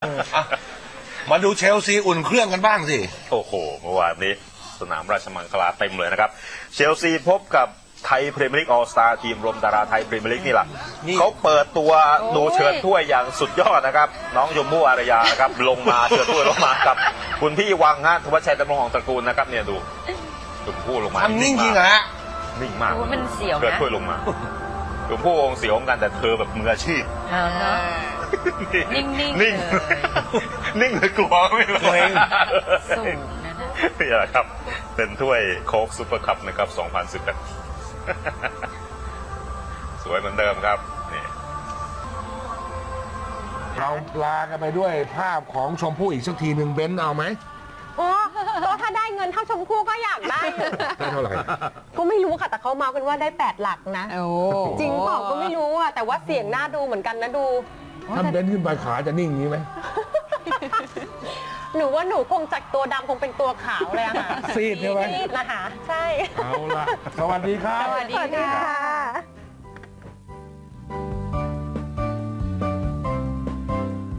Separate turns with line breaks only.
มาดูเชลซีอุ่นเครื่องกันบ้างสิ
โอ้โหเมื่อวานนี้สนามราชมังคลาเต็มเลยนะครับเชลซีพบกับไทยพรีเมียร์ลีกออลสตาร์ทีมรวมดาราไทยพรีเมียร์ลีกนี่แหละเขาเปิดตัวดูเชิญถ้วยอย่างสุดยอดนะครับน้องยมพู่อารยานะครับลงมาเชิญถ้วยลงมากับคุณพี่วังฮะธวัชชัยดำรงของตระกูลนะครับเนี่ยดูยมพู่ลงมา
ทำนิ่งจริงเหรอฮะ
นิ่งมาก
มันเสียวนะ
เกิดถ้วยลงมายมพู่องเสียวกันแต่เธอแบบมืออาชีพ
นิ่ง
นิ่งเลยกลัวไม่รู้เอง
สูงนะ
นี่แหละครับเป็นถ้วยโค้กซุปเปอร์คัพนะครับ2011สวยเหมือนเดิมครับนี่
เราลากันไปด้วยภาพของชมพู่อีกสักทีหนึ่งเบนซ์เอาไหม
โอ้ถ้าได้เงินเท่าชมพู่ก็อยากได้
ได้เท่าไหร่
ก็ไม่รู้ค่ะแต่เขาเมากันว่าได้8 หลักนะจริงเปล่าก็ไม่รู้อ่ะแต่ว่าเสียงน่าดูเหมือนกันนะดู
ถ้าเบนซ์ขึ้นไปขาจะนิ่งนี้ไหม
หนูว่าหนูคงจากตัวดำคงเป็นตัวขาวเลยอะค่ะ
ซีดใช่ไหม
ซีดนะคะใช่
เอาละสวัสดีครับ
สวัสดีค่ะ